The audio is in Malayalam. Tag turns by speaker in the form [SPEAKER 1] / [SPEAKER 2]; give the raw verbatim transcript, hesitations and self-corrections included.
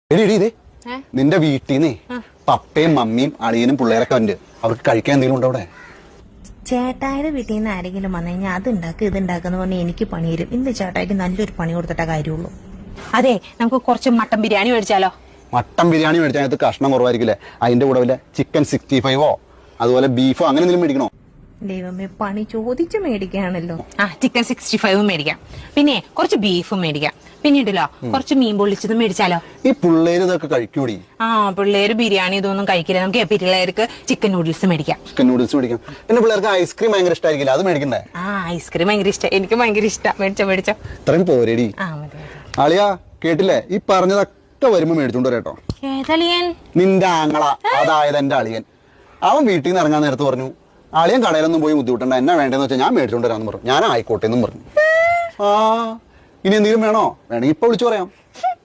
[SPEAKER 1] എടി എടി ഇതേ നിന്റെ വീട്ടിൽ നിന്നേ പപ്പയും മമ്മിയും അളിയനും പിള്ളേരൊക്കെ ഉണ്ട്. അവർക്ക് കഴിക്കാൻ എന്തെങ്കിലും ഉണ്ടോ അവിടെ?
[SPEAKER 2] ചേട്ടായുടെ വീട്ടിൽ നിന്ന് ആരെങ്കിലും വന്നു കഴിഞ്ഞാൽ അത് ഉണ്ടാക്കുക ഇത് ഉണ്ടാക്കുന്ന പറഞ്ഞാൽ എനിക്ക് പണി തരും. ഇന്ന് ചേട്ടായിക്ക് നല്ലൊരു പണി കൊടുത്തിട്ട കാര്യമുള്ളൂ.
[SPEAKER 3] അതെ, നമുക്ക് കുറച്ച് മട്ടൻ ബിരിയാണി മേടിച്ചാലോ?
[SPEAKER 1] മട്ടൻ ബിരിയാണി മേടിച്ചാൽ അതിനകത്ത് കഷ്ണം കുറവായിരിക്കില്ലേ? അതിന്റെ കൂടെ വല്ല ചിക്കൻ സിക്സ്റ്റി ഫൈവോ അതുപോലെ ബീഫോ അങ്ങനെ എന്തെങ്കിലും മേടിക്കണോ?
[SPEAKER 2] ദൈവമേ, പണി ചോദിച്ചു മേടിക്കുകയാണല്ലോ.
[SPEAKER 3] ആ, ചിക്കൻ സിക്സ്റ്റി ഫൈവും മേടിക്കാം, പിന്നെ കുറച്ച് ബീഫും മേടിക്കാം, പിന്നീടല്ലോ കുറച്ച് മീൻ പൊള്ളിച്ചതും മേടിച്ചാലോ?
[SPEAKER 1] ഈ പിള്ളേര് ഇതൊക്കെ കഴിക്കൂടി?
[SPEAKER 3] ആ, പിള്ളേര് ബിരിയാണി ഇതൊന്നും കഴിക്കില്ല. നമുക്ക് പിള്ളേർക്ക് ചിക്കൻ നൂഡിൽസ് മേടിക്കാം.
[SPEAKER 1] ചിക്കൻ നൂഡിൽസ് മേടിക്കാം. പിന്നെ പിള്ളേർക്ക് ഐസ്ക്രീം ഭയങ്കര ഇഷ്ടമായിരിക്കില്ല, അത് മേടിക്കണ്ടേ?
[SPEAKER 3] ആ, ഐസ്ക്രീം ഭയങ്കര ഇഷ്ടം, എനിക്ക് ഭയങ്കര ഇഷ്ടം. മേടിച്ചോ മേടിച്ചോ.
[SPEAKER 1] ഇത്രയും പോരേടി.
[SPEAKER 3] ആ മതി.
[SPEAKER 1] അളിയാ കേട്ടില്ലേ? ഈ പറഞ്ഞതൊക്കെ വരുമ്പോ മേടിച്ചോണ്ട് വരട്ടോ.
[SPEAKER 3] ഏതളിയൻ?
[SPEAKER 1] നിന്റെ ആങ്ങള, അതായത് എന്റെ അളിയൻ. അവൻ വീട്ടിൽ നിന്ന് ഇറങ്ങാൻ നേരത്ത് പറഞ്ഞു, അളിയൻ കടയിലൊന്നും പോയി ബുദ്ധിമുട്ടണ്ട, എന്നാ വേണ്ടതെന്ന് വെച്ചാൽ ഞാൻ മേടിച്ചോണ്ട് വരാന്ന് പറഞ്ഞു. ഞാൻ ആയിക്കോട്ടെ എന്നും പറഞ്ഞു. ആ, ഇനി എന്തെങ്കിലും വേണോ? വേണമെങ്കിൽ ഇപ്പൊ വിളിച്ചു പറയാം.